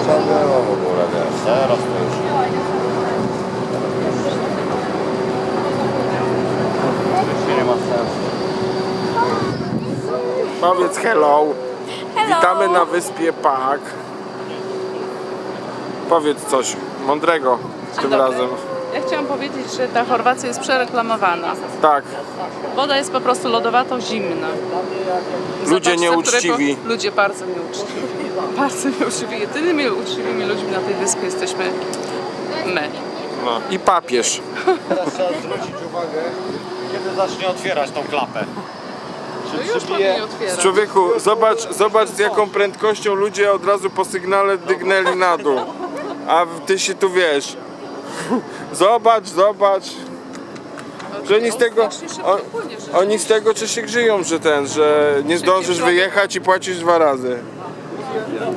trzeba było w ogóle, wiesz, teraz to już... Już nie ma sensu. Powiedz hello. Hello. Witamy na wyspie Pag. Powiedz coś mądrego tym dobry. razem. Ja chciałam powiedzieć, że ta Chorwacja jest przereklamowana. Tak, Woda jest po prostu lodowato zimna. ludzie Zobacz, nieuczciwi. Ludzie bardzo nieuczciwi. Bardzo nieuczciwi. Jedynymi uczciwymi ludźmi na tej wyspie jesteśmy my. No. I papież. Teraz trzeba zwrócić uwagę, kiedy zacznie otwierać tą klapę. No już powinien otwierać. Człowieku, zobacz z jaką prędkością ludzie od razu po sygnale dygnęli na dół. A ty się tu wiesz. Zobacz. Że oni z tego, oni z tego czy się grzeją, że że nie zdążysz wyjechać i płacisz 2 razy.